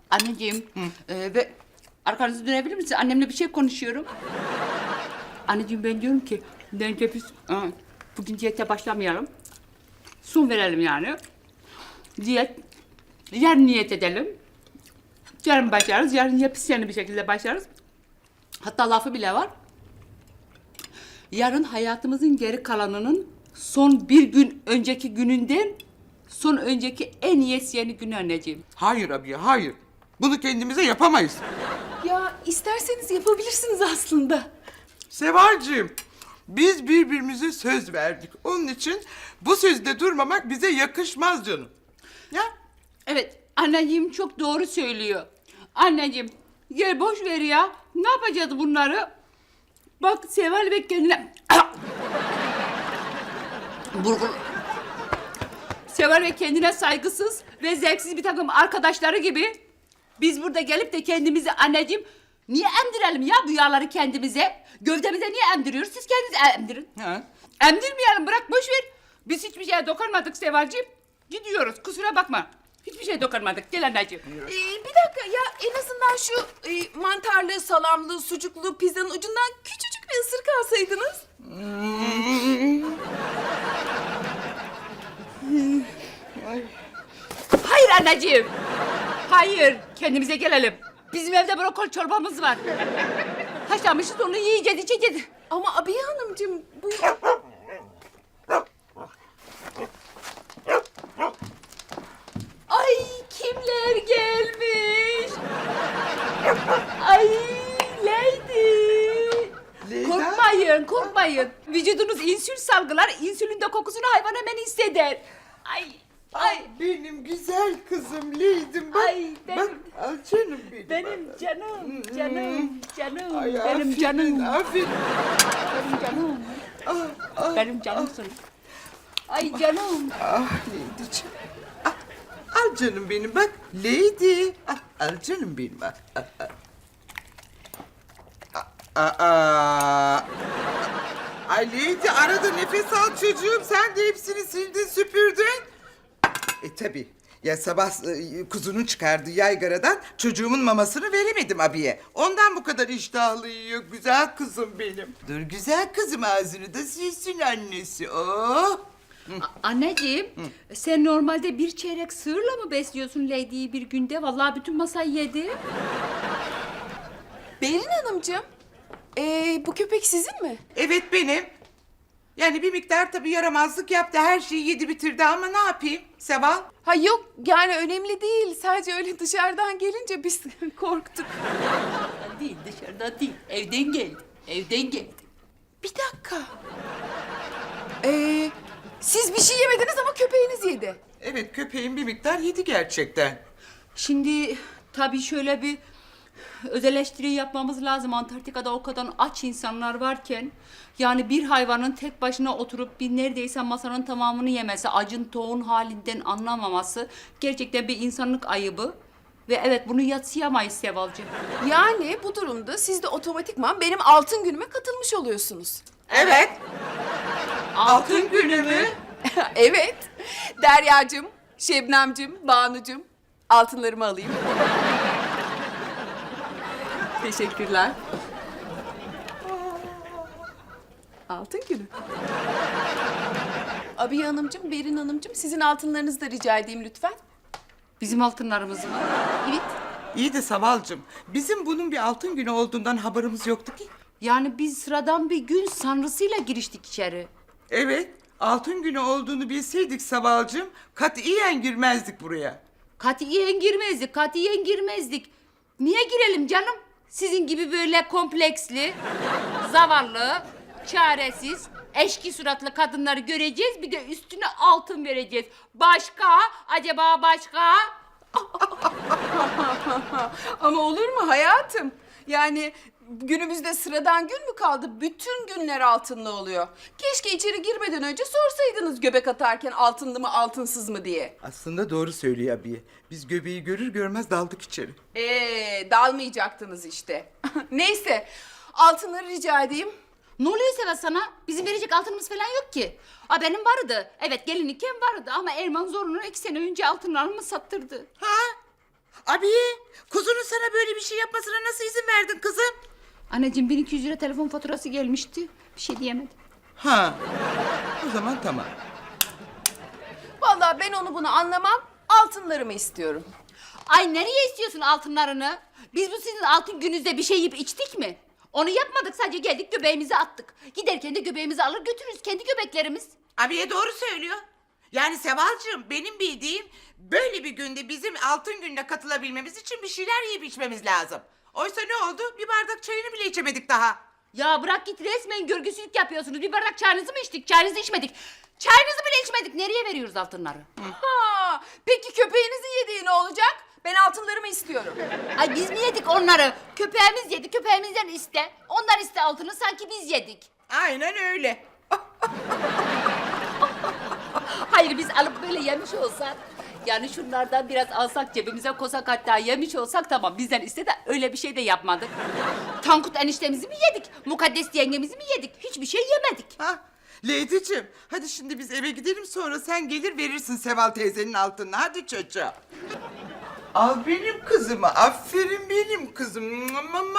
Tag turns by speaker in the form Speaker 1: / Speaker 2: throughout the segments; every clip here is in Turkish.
Speaker 1: Anneciğim, ve arkanızı dönebilir misin? Annemle bir şey konuşuyorum. Anneciğim ben diyorum ki, bence biz bugün diyete başlamayalım. Son verelim yani. Diyet, yarın niyet edelim. Yarın başlarız, yarın yepyeni bir şekilde başlarız. Hatta lafı bile var. Yarın hayatımızın geri kalanının son bir gün önceki gününden son önceki en yeni günü anneciğim.
Speaker 2: Hayır abiye, hayır. Bunu kendimize yapamayız.
Speaker 3: Ya isterseniz yapabilirsiniz aslında.
Speaker 2: Sevalcığım, biz birbirimize söz verdik. Onun için bu sözde durmamak bize yakışmaz canım. Ya?
Speaker 1: Evet, anneciğim çok doğru söylüyor. Anneciğim, gel boş ver ya. Ne yapacağız bunları? Bak Seval Bey kendine... Burgun. Seval Bey kendine saygısız ve zevksiz bir takım arkadaşları gibi... Biz burada gelip de kendimizi anneciğim... Niye emdirelim ya bu yağları kendimize? Gövdemize niye emdiriyoruz? Siz kendiniz emdirin.
Speaker 2: Ha?
Speaker 1: Emdirmeyelim, bırak boş ver. Biz hiçbir şeye dokunmadık Sevalciğim. Gidiyoruz, kusura bakma. Hiçbir şeye dokunmadık. Gel anneciğim.
Speaker 3: Bir dakika ya, en azından şu mantarlı, salamlı, sucuklu pizzanın ucundan küçücük bir ısırık alsaydınız.
Speaker 1: Hayır anneciğim. Hayır, kendimize gelelim. Bizim evde brokoli çorbamız var. Haşlanmışız, onu yiyeceğiz, içeceğiz.
Speaker 3: Ama Abiye Hanımcığım bu...
Speaker 1: Ay kimler gelmiş? Ay Lady.
Speaker 2: Leyla?
Speaker 1: Korkmayın, korkmayın. Vücudunuz insülin salgılar, insülin de kokusunu hayvan hemen hisseder. Ay, ay.
Speaker 2: Benim güzel kızım Leydim. Bak,
Speaker 1: Ay, benim-
Speaker 2: bak, al canım benim.
Speaker 1: Benim canım, canım, canım,
Speaker 2: Ay,
Speaker 1: benim
Speaker 2: aferin,
Speaker 1: canım,
Speaker 2: aferin.
Speaker 1: benim canım. Benim canımsın. Ay canım.
Speaker 2: Ah Leydi'ciğim. Ah, al canım benim bak. Leydi. Al canım benim. Ay Leydi, arada nefes al çocuğum. Sen de hepsini sildin süpürdün. Tabii. Ya sabah kuzunun çıkardığı yaygaradan çocuğumun mamasını veremedim abiye. Ondan bu kadar iştahlı yiyor güzel kızım benim. Dur güzel kızım, ağzını da silsin annesi. Oh.
Speaker 1: Anneciğim, sen normalde bir çeyrek sığırla mı besliyorsun Lady'yi bir günde? Vallahi bütün masayı yedi.
Speaker 3: Berin Hanımcığım, bu köpek sizin mi?
Speaker 2: Evet benim. Yani bir miktar tabii yaramazlık yaptı. Her şeyi yedi bitirdi ama ne yapayım Seval?
Speaker 3: Ha yok, yani önemli değil. Sadece öyle dışarıdan gelince biz korktuk.
Speaker 1: Değil, dışarıda değil. Evden geldi. Evden geldi.
Speaker 3: Bir dakika. Siz bir şey yemediniz ama köpeğiniz yedi.
Speaker 2: Evet, köpeğin bir miktar yedi gerçekten.
Speaker 1: Şimdi tabii şöyle bir öz eleştiri yapmamız lazım. Antarktika'da o kadar aç insanlar varken... Yani bir hayvanın tek başına oturup bir neredeyse masanın tamamını yemesi... ...acın toğun halinden anlamaması... ...gerçekten bir insanlık ayıbı. Ve evet, bunu yadsıyamayız Sevalcığım.
Speaker 3: Yani bu durumda siz de otomatikman benim altın günüme katılmış oluyorsunuz.
Speaker 2: Evet.
Speaker 1: Altın günü mü?
Speaker 3: Evet. Deryacığım, Şebnemcim, Banucum, altınlarımı alayım. Teşekkürler. Altın günü. Abiye Hanımcığım, Berin Hanımcığım, sizin altınlarınızı da rica edeyim lütfen.
Speaker 1: Bizim altınlarımız mı?
Speaker 3: Evet.
Speaker 2: İyi de Savalcığım, bizim bunun bir altın günü olduğundan haberimiz yoktu ki.
Speaker 1: Yani biz sıradan bir gün sanrısıyla giriştik içeri.
Speaker 2: Evet, altın günü olduğunu bilseydik Savalcığım... ...katiyen girmezdik buraya.
Speaker 1: Katiyen girmezdik, katiyen girmezdik. Niye girelim canım? Sizin gibi böyle kompleksli, zavallı, çaresiz, eşki suratlı kadınları göreceğiz. Bir de üstüne altın vereceğiz. Başka? Acaba başka?
Speaker 3: Ama olur mu hayatım? Yani günümüzde sıradan gün mü kaldı? Bütün günler altınlı oluyor. Keşke içeri girmeden önce sorsaydınız göbek atarken altınlı mı altınsız mı diye.
Speaker 2: Aslında doğru söylüyor abiye. Biz göbeği görür görmez daldık içeri.
Speaker 3: Dalmayacaktınız işte. Neyse, altınları rica edeyim.
Speaker 1: Ne oluyor Sevat sana? Bizim verecek altınımız falan yok ki. Benim vardı. Evet, gelinlikken vardı ama Erman zorunlu 2 sene önce altınlarımı sattırdı.
Speaker 2: Ha? Abiye, kuzunun sana böyle bir şey yapmasına nasıl izin verdin kızım?
Speaker 1: Anneciğim 1200 lira telefon faturası gelmişti. Bir şey diyemedim.
Speaker 2: Ha, o zaman tamam.
Speaker 3: Vallahi ben onu bunu anlamam. Altınlarımı istiyorum.
Speaker 1: Ay nereye istiyorsun altınlarını? Biz bu sizin altın gününüzde bir şey yiyip içtik mi? Onu yapmadık, sadece geldik göbeğimizi attık. Giderken de göbeğimizi alır götürürüz, kendi göbeklerimiz.
Speaker 2: Abiye doğru söylüyor. Yani Sevalcığım, benim bildiğim böyle bir günde bizim altın gününe katılabilmemiz için bir şeyler yiyip içmemiz lazım. Oysa ne oldu? Bir bardak çayını bile içemedik daha.
Speaker 1: Ya bırak git, resmen görgüsüzlük yapıyorsunuz. Bir bardak çayınızı mı içtik? Çayınızı içmedik. Çayınızı bile içmedik. Nereye veriyoruz altınları?
Speaker 3: Ha, peki köpeğinizin yediği ne olacak? Ben altınlarımı istiyorum.
Speaker 1: Ay biz mi yedik onları? Köpeğimiz yedi, köpeğimizden iste. Ondan iste altını, sanki biz yedik.
Speaker 2: Aynen öyle.
Speaker 1: Hayır, biz alıp böyle yemiş olsak, yani şunlardan biraz alsak cebimize koysak, hatta yemiş olsak tamam, bizden iste de öyle bir şey de yapmadık. Tankut eniştemizi mi yedik? Mukaddes yengemizi mi yedik? Hiçbir şey yemedik.
Speaker 2: Ha, Lady'cim, hadi şimdi biz eve gidelim, sonra sen gelir verirsin Seval teyzenin altınını. Hadi çocuğum. Al benim kızımı, aferin benim kızım.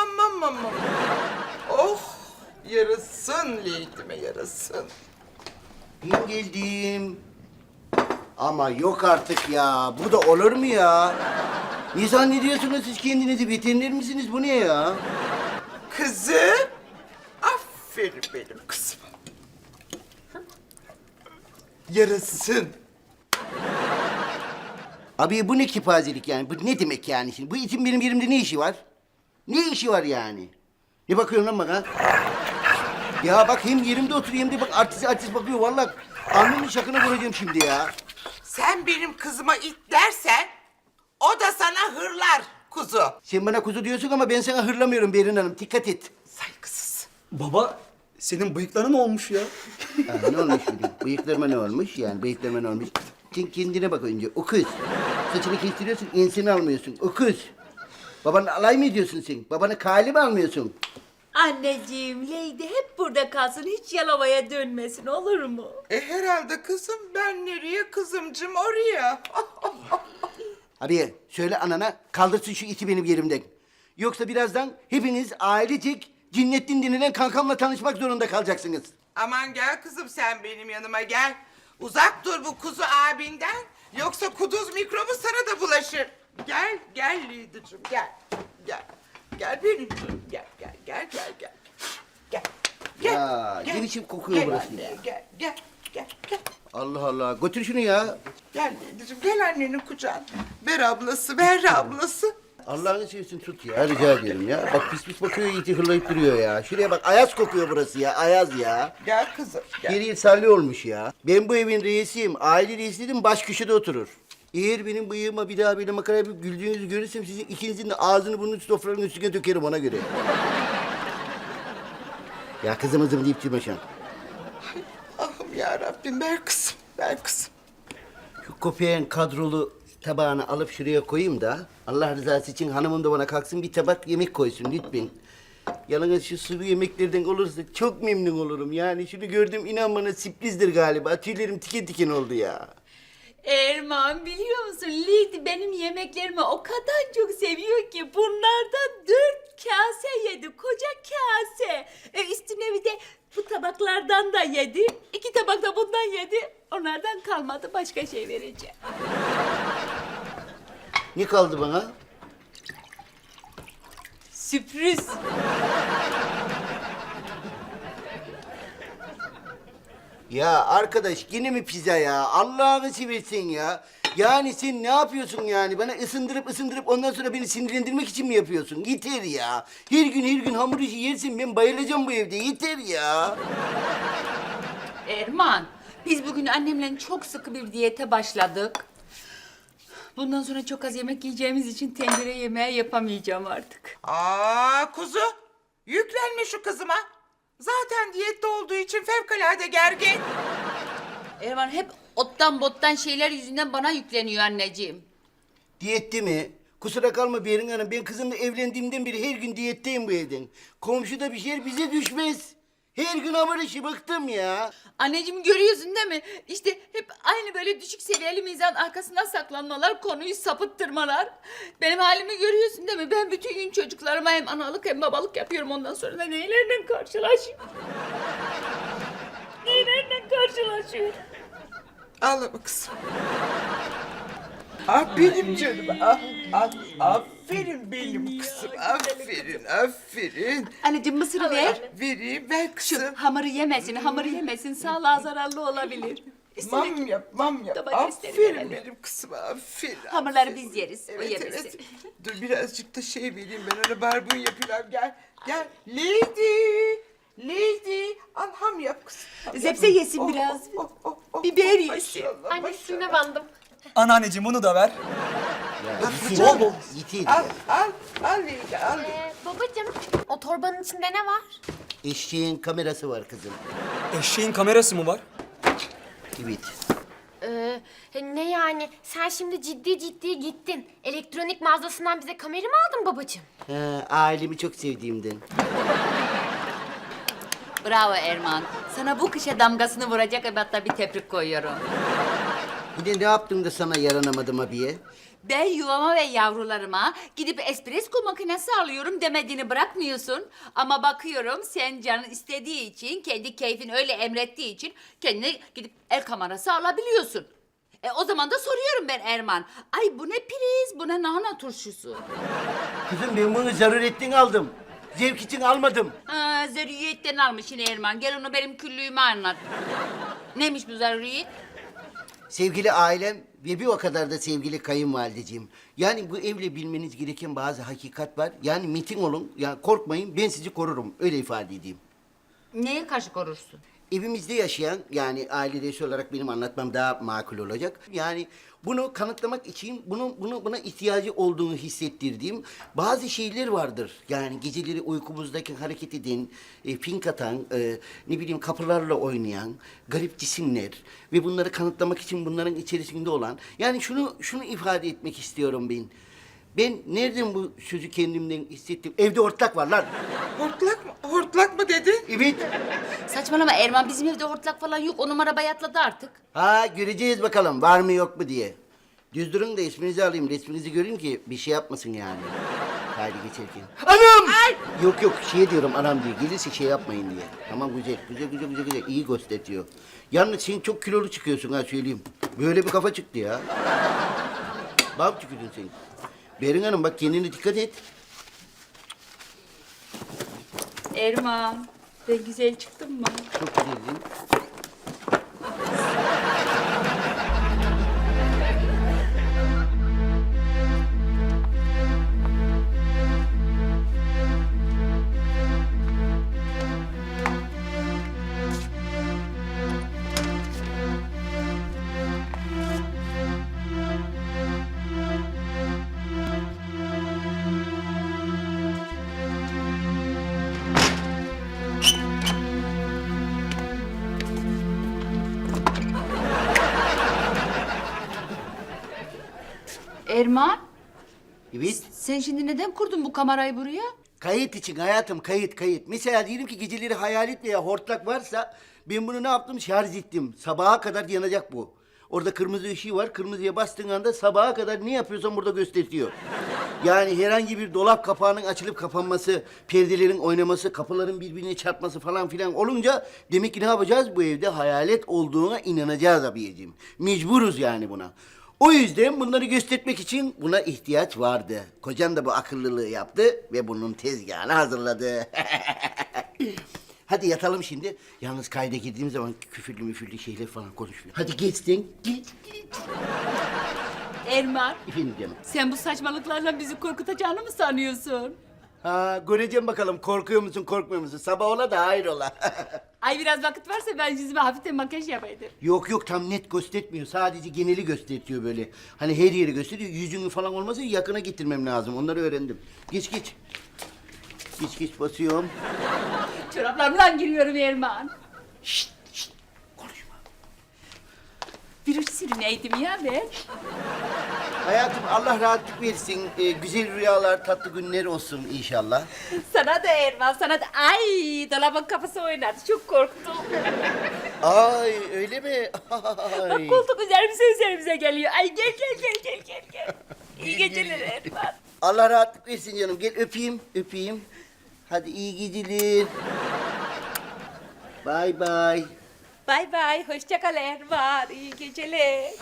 Speaker 2: Oh, yarasın Lady'me, yarasın.
Speaker 4: Ben geldim. Ama yok artık ya. Bu da olur mu ya? Ne zannediyorsunuz siz kendinizi? Veteriner misiniz? Bu ne ya?
Speaker 2: Kızım, aferin benim kızım. Yarasın.
Speaker 4: Abi bu ne kipazelik yani? Bu ne demek yani şimdi? Bu itin benim yerimde ne işi var? Ne işi var yani? Ne bakıyorsun lan bana? Ya bak hem yerimde oturuyor hem de bak artist bakıyor. Vallahi alnımın şakına vuracağım şimdi ya.
Speaker 2: Sen benim kızıma it dersen, o da sana hırlar kuzu.
Speaker 4: Sen bana kuzu diyorsun ama ben sana hırlamıyorum Berin Hanım. Dikkat et.
Speaker 2: Saygısız.
Speaker 5: Baba, senin bıyıklara ne olmuş ya?
Speaker 4: Ha, ne olmuş şimdi? Bıyıklarıma ne olmuş yani? Bıyıklarıma ne olmuş? Sen kendine bak önce. O kız. Saçını kestiriyorsun, enseni almıyorsun. O kız. Babanla alay mı ediyorsun sen? Babana kale mi almıyorsun?
Speaker 6: Anneciğim, Leydi hep burada kalsın, hiç Yalova'ya dönmesin, olur mu?
Speaker 2: Herhalde kızım, ben nereye kızımcım oraya.
Speaker 4: Abi söyle anana kaldırsın şu iti benim yerimden. Yoksa birazdan hepiniz ailecek Cinnettin denilen kankamla tanışmak zorunda kalacaksınız.
Speaker 2: Aman gel kızım, sen benim yanıma gel. Uzak dur bu kuzu abinden, yoksa kuduz mikrobu sana da bulaşır. Gel, gel Lidi'cim, gel. Gel, gel benim canım, gel. Gel.
Speaker 4: Ya, ne biçim kokuyor
Speaker 2: gel
Speaker 4: burası
Speaker 2: anne,
Speaker 4: ya?
Speaker 2: Gel.
Speaker 4: Allah Allah. Götür şunu ya.
Speaker 2: Gel Lidi'cim, gel annenin kucağına. Ver ablası.
Speaker 4: Allah'ını seversen tut ya. Rica ediyorum ya. Bak pis bakıyor, iti hırlayıp duruyor ya. Şuraya bak, ayaz kokuyor burası ya. Ayaz ya.
Speaker 2: Gel kızım, gel.
Speaker 4: Geriye salli olmuş ya. Ben bu evin reisiyim. Aile reisi dedim, baş köşede oturur. Eğer benim bıyığıma bir daha böyle makara yapıp güldüğünüzü görürsem sizin ikinizin de ağzını burnunu sofranın üstüne dökerim ona göre. Ya kızım deyip durma şu an.
Speaker 2: Ahım ya Rabbim, ver kızım.
Speaker 4: Şu köpeğin kadrolu tabağını alıp şuraya koyayım da Allah rızası için hanımım da bana kalksın bir tabak yemek koysun lütfen. Yalnız şu sulu yemeklerden olursa çok memnun olurum. Yani şunu gördüm, inan bana sürprizdir galiba. Tüylerim tiken tiken oldu ya.
Speaker 6: Erman, biliyor musun, Leydi benim yemeklerimi o kadar çok seviyor ki bunlardan 4 kase yedi, koca kase. Üstüne bir de bu tabaklardan da yedi, 2 tabak da bundan yedi. Onlardan kalmadı, başka şey vereceğim.
Speaker 4: Ne kaldı bana?
Speaker 6: Sürpriz.
Speaker 4: Ya arkadaş yine mi pizza ya? Allah'ını seversen ya. Yani sen ne yapıyorsun yani? Bana ısındırıp ondan sonra beni sinirlendirmek için mi yapıyorsun? Yeter ya. Her gün hamur işi yersin, ben bayılacağım bu evde. Yeter ya.
Speaker 1: Erman, biz bugün annemle çok sıkı bir diyete başladık. Bundan sonra çok az yemek yiyeceğimiz için tencere yemeği yapamayacağım artık.
Speaker 2: Aa kuzu, yüklenme şu kızıma. Zaten diyette olduğu için fevkalade gergin.
Speaker 1: Erman hep ottan bottan şeyler yüzünden bana yükleniyor anneciğim.
Speaker 4: Diyette mi? Kusura kalma Berin Hanım. Ben kızımla evlendiğimden beri her gün diyetteyim bu evden. Komşuda bir şey bize düşmez. Her gün hamur işi bıktım ya.
Speaker 6: Anneciğim görüyorsun değil mi? İşte hep aynı böyle düşük seviyeli mizan arkasına saklanmalar, konuyu sapıttırmalar. Benim halimi görüyorsun değil mi? Ben bütün gün çocuklarıma hem analık hem babalık yapıyorum. Ondan sonra da neylerle karşılaşıyorum? Neylerle karşılaşıyorum?
Speaker 2: Ağlama kızım. Ah benim canım. Aferin benim kızım. Aferin.
Speaker 1: Anneciğim mısırı ver.
Speaker 2: Vereyim ver kızım.
Speaker 1: Hamuru yemesin, hamuru yemesin. Sağlığa zararlı olabilir.
Speaker 2: Mam yap.
Speaker 1: Domatesleri
Speaker 2: Aferin
Speaker 1: verelim.
Speaker 2: benim kızım. Aferin.
Speaker 1: Hamurları
Speaker 2: aferin.
Speaker 1: biz yeriz, o
Speaker 2: Evet
Speaker 1: yemesin.
Speaker 2: evet. Dur birazcık da şey vereyim ben ona barbunya yapayım. Gel. Lady. Al ham yap kızım. Ham yap.
Speaker 1: Zepse yesin biraz. Biber yesin.
Speaker 2: Maşallah,
Speaker 7: Anne
Speaker 2: maşallah.
Speaker 7: suyuna bandım.
Speaker 5: Anneanneciğim bunu da ver.
Speaker 4: Ya
Speaker 5: Bol bol.
Speaker 4: Yitir
Speaker 2: Al
Speaker 4: ya.
Speaker 2: Lady al.
Speaker 7: Babacığım o torbanın içinde ne var?
Speaker 4: Eşeğin kamerası var kızım.
Speaker 5: Eşeğin kamerası mı var?
Speaker 4: Evet.
Speaker 7: Ne yani? Sen şimdi ciddi gittin. Elektronik mağazasından bize kamera mı aldın babacığım?
Speaker 4: Ailemi çok sevdiğimden.
Speaker 1: Bravo Erman. Sana bu kışa damgasını vuracak ebatta bir tebrik koyuyorum.
Speaker 4: Bir de ne yaptın da sana yaranamadım abiye?
Speaker 1: Ben yuvama ve yavrularıma gidip espresso makinesi alıyorum demediğini bırakmıyorsun. Ama bakıyorum sen canın istediği için, kendi keyfin öyle emrettiği için kendine gidip el kamerası alabiliyorsun. O zaman da soruyorum ben Erman. Ay bu ne priz, bu ne lahana turşusu.
Speaker 4: Kızım ben bunu zaruretten aldım. Zevk için almadım.
Speaker 1: Ha, zaruriyetten almış yine Erman. Gel onu benim küllüğüme anlat. Neymiş bu zaruriyet?
Speaker 4: Sevgili ailem ve bir o kadar da sevgili kayınvalideciğim. Yani bu evle bilmeniz gereken bazı hakikat var. Yani metin olun, yani korkmayın ben sizi korurum. Öyle ifade edeyim.
Speaker 1: Neye karşı korursun?
Speaker 4: Evimizde yaşayan yani aile reisi olarak benim anlatmam daha makul olacak. Yani bunu kanıtlamak için buna ihtiyacı olduğunu hissettirdiğim bazı şeyler vardır. Yani geceleri uykumuzdaki hareket eden, fink atan, ne bileyim kapılarla oynayan garip cisimler ve bunları kanıtlamak için bunların içerisinde olan. Yani şunu ifade etmek istiyorum ben. Ben nereden bu sözü kendimden hissettim? Evde hortlak var lan.
Speaker 2: Hortlak mı dedin?
Speaker 4: Evet.
Speaker 1: Saçmalama Erman, bizim evde hortlak falan yok. O numara bayatladı artık.
Speaker 4: Ha göreceğiz bakalım var mı yok mu diye. Düz durun da isminizi alayım, resminizi göreyim ki bir şey yapmasın yani. Haydi geçerken. Anam! Yok şey diyorum anam diye. Gelirse şey yapmayın diye. Tamam güzel. İyi gösteriyor. Yalnız sen çok kilolu çıkıyorsun ha söyleyeyim. Böyle bir kafa çıktı ya. Bak tükürdün sen. Berin Hanım bak kendine dikkat et.
Speaker 1: Erman, ben güzel çıktım mı?
Speaker 4: Çok güzeldin.
Speaker 1: Erman,
Speaker 4: Evet.
Speaker 1: sen şimdi neden kurdun bu kamerayı buraya?
Speaker 4: Kayıt için hayatım kayıt. Mesela diyelim ki geceleri hayalet veya hortlak varsa ben bunu ne yaptım? Şarj ettim. Sabaha kadar yanacak bu. Orada kırmızı ışığı var. Kırmızıya bastığın anda sabaha kadar ne yapıyorsan burada gösteriyor. Yani herhangi bir dolap kapağının açılıp kapanması, perdelerin oynaması, kapıların birbirine çarpması falan filan olunca demek ki ne yapacağız? Bu evde hayalet olduğuna inanacağız abiyeciğim. Mecburuz yani buna. O yüzden bunları göstermek için buna ihtiyaç vardı. Kocam da bu akıllılığı yaptı ve bunun tezgahını hazırladı. Hadi yatalım şimdi. Yalnız kayda girdiğim zaman küfürlü müfürlü şeyler falan konuşmuyor. Hadi geçtin. Git.
Speaker 1: Erman,
Speaker 4: Efendim canım.
Speaker 1: sen bu saçmalıklarla bizi korkutacağını mı sanıyorsun?
Speaker 4: Ha, göreceğim bakalım korkuyor musun korkmuyor musun? Sabah ola da hayır ola.
Speaker 1: Ay biraz vakit varsa ben yüzüme hafiften makyaj yapaydım.
Speaker 4: Yok tam net göstermiyor. Sadece geneli gösteriyor böyle. Hani her yeri gösteriyor. Yüzünü falan olmasa yakına getirmem lazım. Onları öğrendim. Geç. Geç basıyorum.
Speaker 1: Çoraplarımla giriyorum Erman.
Speaker 4: Şşt konuşma.
Speaker 1: Bir uç sürüneydim ya ben.
Speaker 4: Hayatım Allah rahatlık versin. Güzel rüyalar, tatlı günler olsun inşallah.
Speaker 6: Sana da Erman, sana da. Ay, dolabın kafası oynadı. Çok korktum.
Speaker 4: Ay öyle mi?
Speaker 6: Bak
Speaker 4: Ay.
Speaker 6: koltuk üzerimize geliyor. Ay gel. İyi geceler Erman.
Speaker 4: Allah rahatlık versin canım. Gel öpeyim. Hadi iyi geceler. Bay bay.
Speaker 6: Bay bay, hoşça kal Erman. İyi geceler.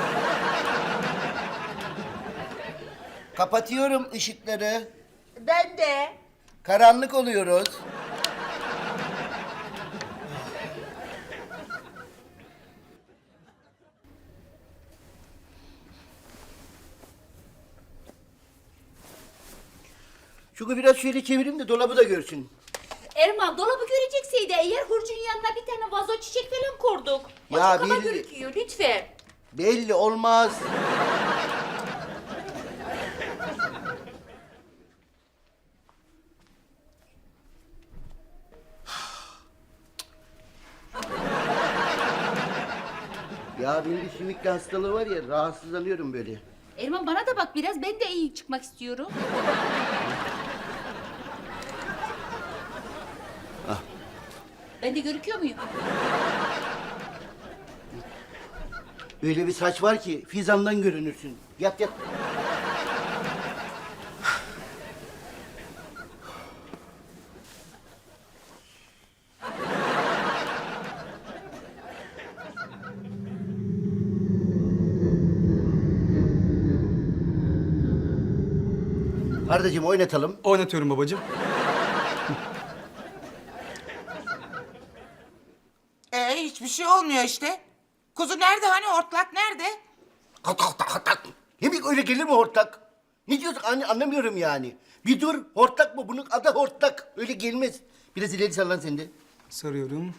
Speaker 4: Kapatıyorum ışıkları.
Speaker 6: Ben de.
Speaker 4: Karanlık oluyoruz. Şunu biraz şöyle çevireyim de dolabı da görsün.
Speaker 6: Erman dolabı görecekseydi eğer hurcun yanına bir tane vazo çiçek falan kurduk. O
Speaker 4: Ya
Speaker 6: çok kaba
Speaker 4: belli-
Speaker 6: gözüküyor lütfen.
Speaker 4: Belli olmaz. Ya benim bir sümükle hastalığı var ya, rahatsızlanıyorum böyle.
Speaker 1: Erman bana da bak biraz, ben de iyi çıkmak istiyorum. Ben de görüküyor muyum?
Speaker 4: Öyle bir saç var ki fizandan görünürsün. Yat. Ardacığım oynatalım.
Speaker 5: Oynatıyorum babacığım.
Speaker 2: Hiçbir şey olmuyor işte. Kuzu nerede hani hortlak nerede?
Speaker 4: Hortlak. Yemek öyle gelir mi hortlak? Ne diyorsun anlamıyorum yani. Bir dur, hortlak mı? Bunun adı hortlak. Öyle gelmez. Biraz ileri sallan sen de.
Speaker 5: Sarıyorum.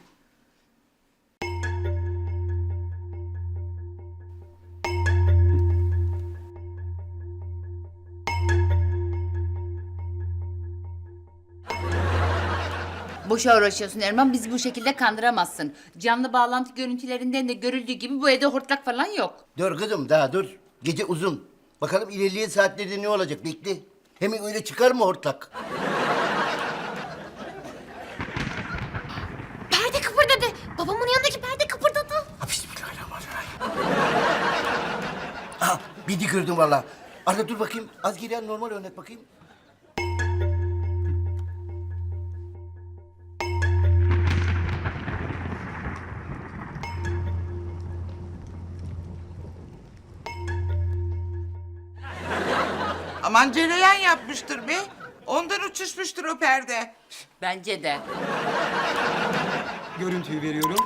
Speaker 1: Boşa uğraşıyorsun Erman, bizi bu şekilde kandıramazsın. Canlı bağlantı görüntülerinden de görüldüğü gibi bu evde hortlak falan yok.
Speaker 4: Dur kızım daha dur. Gece uzun. Bakalım ilerleyen saatlerde ne olacak bekle. Hemen öyle çıkar mı hortlak?
Speaker 7: Perde kıpırdadı. Babamın yanındaki perde kıpırdadı.
Speaker 4: Ha, bismillahirrahmanirrahim. Aha bir de gördüm valla. Arda dur bakayım. Az geri al, normal oynat bakayım.
Speaker 2: Aman cereyan yapmıştır be. Ondan uçuşmuştur o perde.
Speaker 1: Bence de.
Speaker 5: Görüntüyü veriyorum.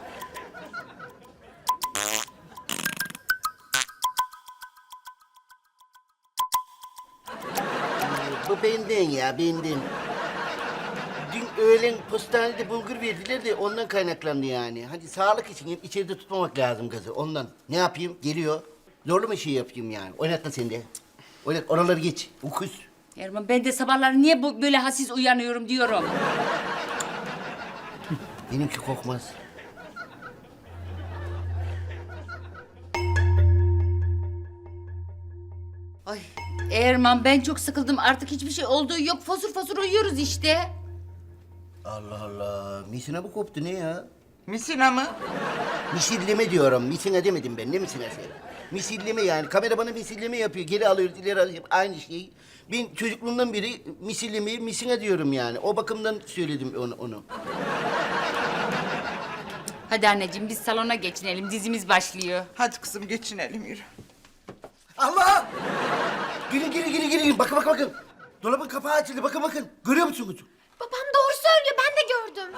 Speaker 4: Bu benden ya benden. Dün öğlen postanede bulgur verdiler de ondan kaynaklandı yani. Hadi sağlık için hep içeride tutmamak lazım kızı ondan. Ne yapayım? Geliyor. Zorlu mu şey yapayım yani? Oynatma sen de. Oynat oraları geç. Ukuz.
Speaker 1: Erman ben de sabahları niye böyle hassiz uyanıyorum diyorum.
Speaker 4: Benimki kokmaz.
Speaker 1: Ay Erman ben çok sıkıldım, artık hiçbir şey olduğu yok, fosur fosur uyuyoruz işte.
Speaker 4: Allah Allah. Misina mı koptu ne ya?
Speaker 2: Misina mı?
Speaker 4: Misilleme diyorum. Misina demedim ben. Ne misinası? Misilleme yani. Kamera bana misilleme yapıyor. Geri alıyoruz, ileri alıyoruz. Aynı şey. Ben çocukluğumdan beri misillemeyi misina diyorum yani. O bakımdan söyledim onu.
Speaker 1: Hadi anneciğim biz salona geçinelim, dizimiz başlıyor.
Speaker 2: Hadi kızım geçinelim yürü.
Speaker 4: Allah! Gelin. Bakın. Dolabın kapağı açıldı. Bakın. Görüyor musunuz?
Speaker 7: Babam doğru söylüyor. Ben de gördüm.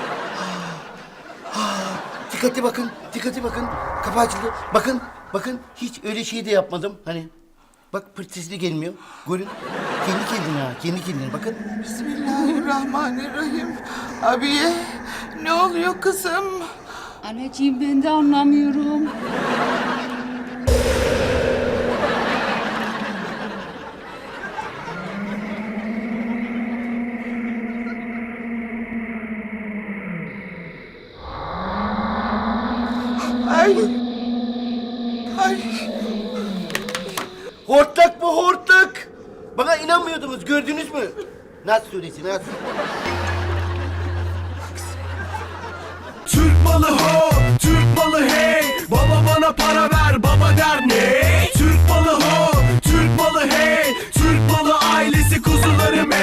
Speaker 4: Dikkatli bakın. Kapağı açıldı. Bakın. Hiç öyle şey de yapmadım. Hani. Bak pırt sesli gelmiyor. Görün. Kendi kendine bakın.
Speaker 2: Bismillahirrahmanirrahim. Abiye ne oluyor kızım?
Speaker 1: Anneciğim ben de anlamıyorum.
Speaker 2: Ay. Ay.
Speaker 4: inanmıyordunuz, gördünüz mü? Nas suresi, Nas.
Speaker 8: Türk malı ho, Türk malı hey. Baba bana para ver, baba der ne? Türk malı ho, Türk malı hey.